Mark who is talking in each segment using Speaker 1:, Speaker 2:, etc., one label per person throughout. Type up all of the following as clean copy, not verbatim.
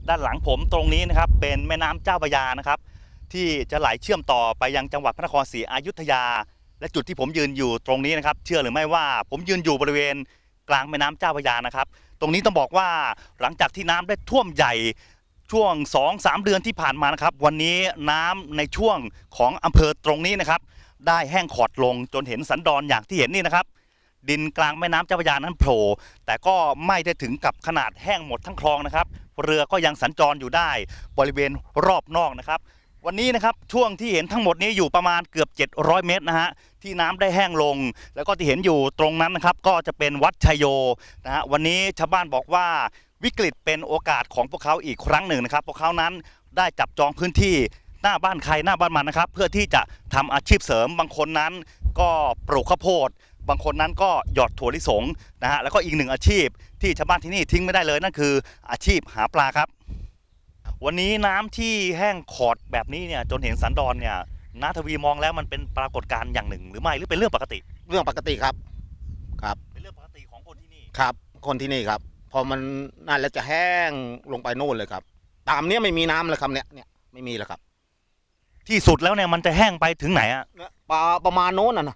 Speaker 1: ด้านหลังผมตรงนี้นะครับเป็นแม่น้ำเจ้าพระยานะครับที่จะไหลเชื่อมต่อไปยังจังหวัดพระนครศรีอยุธยาและจุดที่ผมยืนอยู่ตรงนี้นะครับเชื่อหรือไม่ว่าผมยืนอยู่บริเวณกลางแม่น้ำเจ้าพระยานะครับตรงนี้ต้องบอกว่าหลังจากที่น้ำได้ท่วมใหญ่ช่วง 2-3 เดือนที่ผ่านมานะครับวันนี้น้ำในช่วงของอำเภอตรงนี้นะครับได้แห้งขอดลงจนเห็นสันดอนอย่างที่เห็นนี่นะครับดินกลางแม่น้ำเจ้าพระยานั้นโผล่แต่ก็ไม่ได้ถึงกับขนาดแห้งหมดทั้งคลองนะครับเรือก็ยังสัญจรอยู่ได้บริเวณรอบนอกนะครับวันนี้นะครับช่วงที่เห็นทั้งหมดนี้อยู่ประมาณเกือบ700เมตรนะฮะที่น้ำได้แห้งลงแล้วก็ที่เห็นอยู่ตรงนั้นนะครับก็จะเป็นวัดชัยโยนะฮะวันนี้ชาวบ้านบอกว่าวิกฤตเป็นโอกาสของพวกเขาอีกครั้งหนึ่งนะครับพวกเขานั้นได้จับจองพื้นที่หน้าบ้านใครหน้าบ้านมันนะครับเพื่อที่จะทำอาชีพเสริมบางคนนั้นก็ปลูกข้าวโพดบางคนนั้นก็หยอดถั่วลิสงนะฮะแล้วก็อีกหนึ่งอาชีพที่ชาวบ้านที่นี่ทิ้งไม่ได้เลยนั่นคืออาชีพหาปลาครับวันนี้น้ำที่แห้งขอดแบบนี้เนี่ยจนเห็นสันดอนเนี่ยน้าทวีมองแล้วมันเป็นปรากฏการณ์อย่างหนึ่งหรือไม่หรือเป็นเรื่องปกติ
Speaker 2: เรื่องปกติครับ
Speaker 1: เป็นเรื่องปกติของคนที่นี่
Speaker 2: ครับคนที่นี่ครับพอมันนั่นแล้วจะแห้งลงไปโน่นเลยครับตามเนี้ยไม่มีน้ำเลยครับเนี่ยไม่มีแล้วครับ
Speaker 1: ที่สุดแล้วเนี่ยมันจะแห้งไปถึงไหนอะ
Speaker 2: ปลาประมาณโน้นนะ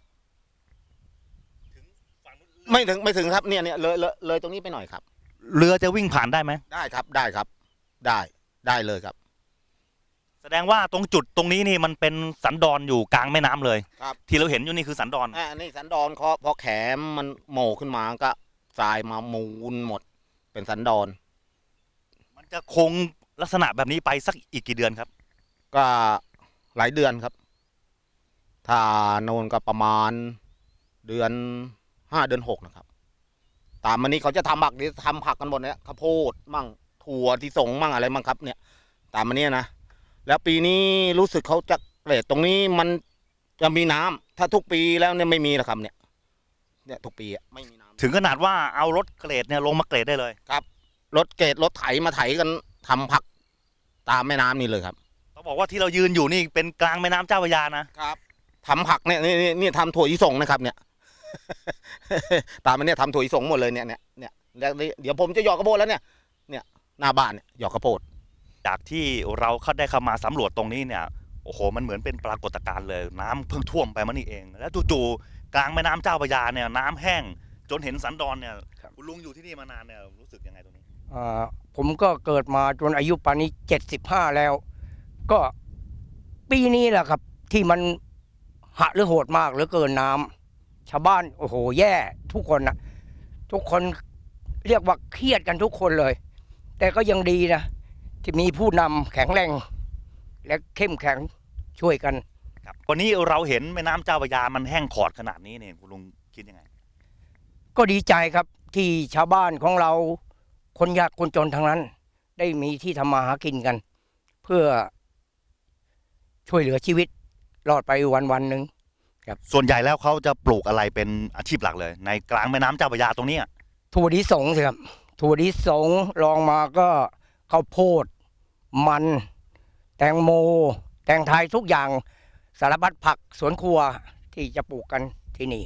Speaker 2: ไม่ถึงครับเนี่ยเลยตรงนี้ไปหน่อยครับ
Speaker 1: เรือจะวิ่งผ่านได้ไหม
Speaker 2: ได้ครับได้ครับได้เลยครับ
Speaker 1: แสดงว่าตรงจุดตรงนี้นี่มันเป็นสันดอนอยู่กลางแม่น้ำเลย
Speaker 2: ครับ
Speaker 1: ที่เราเห็นอยู่นี่คือสันดอน
Speaker 2: นี่สันดอนพอแขมมันโหม่ขึ้นมาก็ทรายมามูลหมดเป็นสันดอน
Speaker 1: มันจะคงลักษณะแบบนี้ไปสักอีกกี่เดือนครับ
Speaker 2: ก็หลายเดือนครับถ้าโนนก็ประมาณเดือน5 เดือน 6นะครับตามมันนี้เขาจะทำผักกันหมดเนี่ยข้าวโพดมั่งถั่วที่ส่งมั่งอะไรมั่งครับเนี่ยตามมันนี้นะแล้วปีนี้รู้สึกเขาจะเกรดตรงนี้มันจะมีน้ำถ้าทุกปีแล้วเนี่ยไม่มีแล้วครับเนี่ยทุกปีไม่มีน้ำ
Speaker 1: ถึงขนาดว่าเอารถเกรดเนี่ยลงมาเกรดได้เลย
Speaker 2: ครับรถเกรดรถไถมาไถกันทำผักตามแม่น้ำนี่เลยครับ
Speaker 1: ต้องบอกว่าที่เรายืนอยู่นี่เป็นกลางแม่น้ำเจ้าพระยานะครับ
Speaker 2: ทำผักเนี่ยนี่ทำถั่วลิสงนะครับเนี่ย ตามมันเนี่ยทำถั่วลิสงหมดเลยเนี่ยแล้วเดี๋ยวผมจะหยอกข้าวโพดแล้วเนี่ยหน้าบ้านเนี่ยหยอกข้าวโพด
Speaker 1: จากที่เราได้เข้ามาสำรวจตรงนี้เนี่ยโอ้โหมันเหมือนเป็นปรากฏการณ์เลยน้ำเพิ่งท่วมไปมานี่เองแล้วจู่ๆกลางแม่น้ำเจ้าพระยาเนี่ยน้ำแห้งจนเห็นสันดอนเนี่ยคุณลุงอยู่ที่นี่มานานเนี่ยรู้สึกยังไงตรงนี้
Speaker 3: ผมก็เกิดมาจนอายุป่านนี้75แล้วก็ปีนี้แหละครับที่มันหะหรือโหดมากเหลือเกินน้ำชาวบ้านโอ้โหแย่ทุกคนนะทุกคนเรียกว่าเครียดกันทุกคนเลยแต่ก็ยังดีนะที่มีผู้นำแข็งแรงและเข้มแข็งช่วยกัน
Speaker 1: ครับวันนี้เราเห็นแม่น้ำเจ้าพระยามันแห้งขอดขนาดนี้เนี่ยคุณลุงคิดยังไง
Speaker 3: ก็ดีใจครับที่ชาวบ้านของเราคนยากคนจนทั้งนั้นได้มีที่ทำมาหากินกันเพื่อช่วยเหลือชีวิตรอดไปวันหนึ่งครับ
Speaker 1: ส่วนใหญ่แล้วเขาจะปลูกอะไรเป็นอาชีพหลักเลยในกลางแม่น้ำเจ้าพระยาตรงนี้
Speaker 3: ถั่วลิสงสิครับถั่วลิสงลองมาก็ข้าวโพดมันแตงโมแตงไทยทุกอย่างสารพัดผักสวนครัวที่จะปลูกกันที่นี่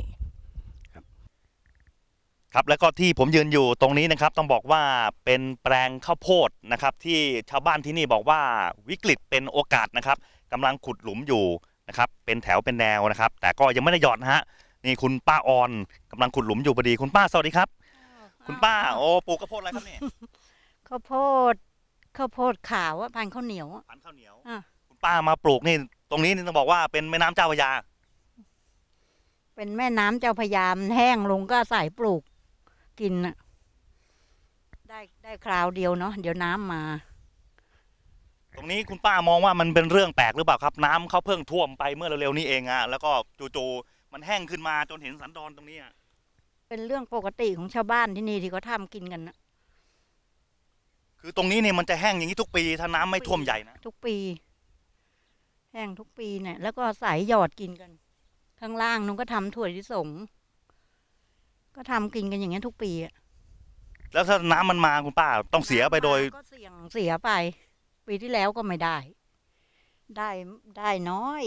Speaker 1: ครับแล้วก็ที่ผมยืนอยู่ตรงนี้นะครับต้องบอกว่าเป็นแปลงข้าวโพดนะครับที่ชาวบ้านที่นี่บอกว่าวิกฤตเป็นโอกาสนะครับกำลังขุดหลุมอยู่นะครับเป็นแถวเป็นแนวนะครับแต่ก็ยังไม่ได้หยอดนะฮะนี่คุณป้าออนกำลังขุดหลุมอยู่พอดีคุณป้าสวัสดีครับคุณป้าโอ้ปลูกข้าวโพดอะไรครับเนี่ย
Speaker 4: ข้าวโพดขาวพันธุ์ข้าวเหนียว
Speaker 1: พันธุ์ข้าวเหนียวคุณป้ามาปลูกนี่ตรงนี้นี่ต้องบอกว่าเป็นแม่น้ำเจ้าพระยา
Speaker 4: เป็นแม่น้ำเจ้าพระยาแห้งลงก็ใส่ปลูกกินน่ะได้คราวเดียวเนาะเดี๋ยวน้ำมา
Speaker 1: ตรงนี้คุณป้ามองว่ามันเป็นเรื่องแปลกหรือเปล่าครับน้ำเขาเพิ่งท่วมไปเมื่อเร็วๆนี้เองแล้วก็จู่ๆมันแห้งขึ้นมาจนเห็นสันดอนตรงนี้
Speaker 4: เป็นเรื่องปกติของชาวบ้านที่นี่ที่เขาทำกินกันนะ
Speaker 1: คือตรงนี้เนี่ยมันจะแห้งอย่างนี้ทุกปีถ้าน้ำไม่ท่วมใหญ่นะ
Speaker 4: ทุกปีแห้งทุกปีเนี่ยแล้วก็ใส่หยอดกินกันข้างล่างนุ้งก็ทำถั่วลิสงก็ทำกินกันอย่างเงี้ยทุกปี
Speaker 1: แล้วถ้าน้ำมันมาคุณป้าต้องเสียไปโดย
Speaker 4: ก็เสียไปปีที่แล้วก็ไม่ได้น้อย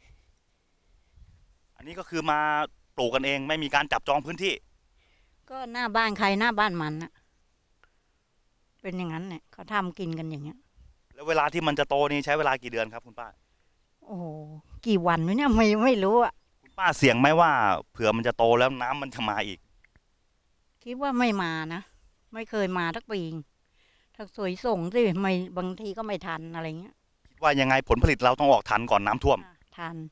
Speaker 1: อันนี้ก็คือมาปลูกกันเองไม่มีการจับจองพื้นที่
Speaker 4: ก็หน้าบ้านใครหน้าบ้านมันนะเป็นอย่างนั้นเนี่ยเขาทำกินกันอย่างเงี้ย
Speaker 1: แล้วเวลาที่มันจะโตนี่ใช้เวลากี่เดือนครับคุณป้า
Speaker 4: โอ้โหกี่วันวะเนี่ยไม่รู้อะ
Speaker 1: คุณป้าเสี่ยงไหมว่าเผื่อมันจะโตแล้วน้ำมันจะมาอีก
Speaker 4: คิดว่าไม่มานะไม่เคยมาทักปีถ้าสวยส่งสิไม่บางทีก็ไม่ทันอะไรเงี้ย
Speaker 1: คิดว่ายังไงผลผลิตเราต้องออกทันก่อนน้ำท่วม
Speaker 4: ทัน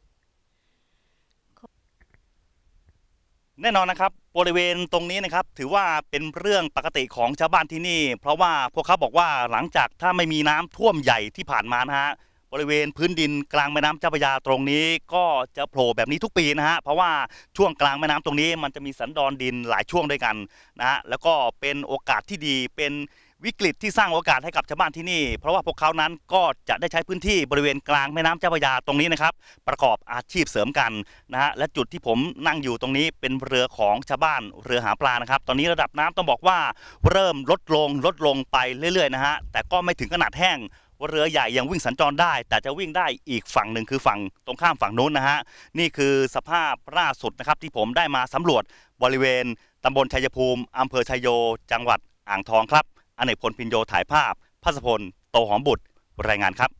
Speaker 1: แน่นอนนะครับบริเวณตรงนี้นะครับถือว่าเป็นเรื่องปกติของชาวบ้านที่นี่ เพราะว่าพวกเขาบอกว่าหลังจากถ้าไม่มีน้ำท่วมใหญ่ที่ผ่านมานะฮะบริเวณพื้นดินกลางแม่น้ำเจ้าพระยาตรงนี้ก็จะโผล่แบบนี้ทุกปีนะฮะเพราะว่าช่วงกลางแม่น้ำตรงนี้มันจะมีสันดอนดินหลายช่วงด้วยกันนะฮะแล้วก็เป็นโอกาสที่ดีเป็นวิกฤตที่สร้างโอกาสให้กับชาวบ้านที่นี่เพราะว่าพวกเขานั้นก็จะได้ใช้พื้นที่บริเวณกลางแม่น้ำเจ้าพระยาตรงนี้นะครับประกอบอาชีพเสริมกันนะฮะและจุดที่ผมนั่งอยู่ตรงนี้เป็นเรือของชาวบ้านเรือหาปลานะครับตอนนี้ระดับน้ำต้องบอกว่าเริ่มลดลงไปเรื่อยๆนะฮะแต่ก็ไม่ถึงขนาดแห้งเรือใหญ่ยังวิ่งสัญจรได้แต่จะวิ่งได้อีกฝั่งหนึ่งคือฝั่งตรงข้ามฝั่งนู้นนะฮะนี่คือสภาพล่าสุดนะครับที่ผมได้มาสำรวจบริเวณตำบลชัยภูมิอำเภอชัยโยจังหวัดอ่างทองครับอเนกพลพินโยถ่ายภาพภัสพลโตหอมบุตรรายงานครับ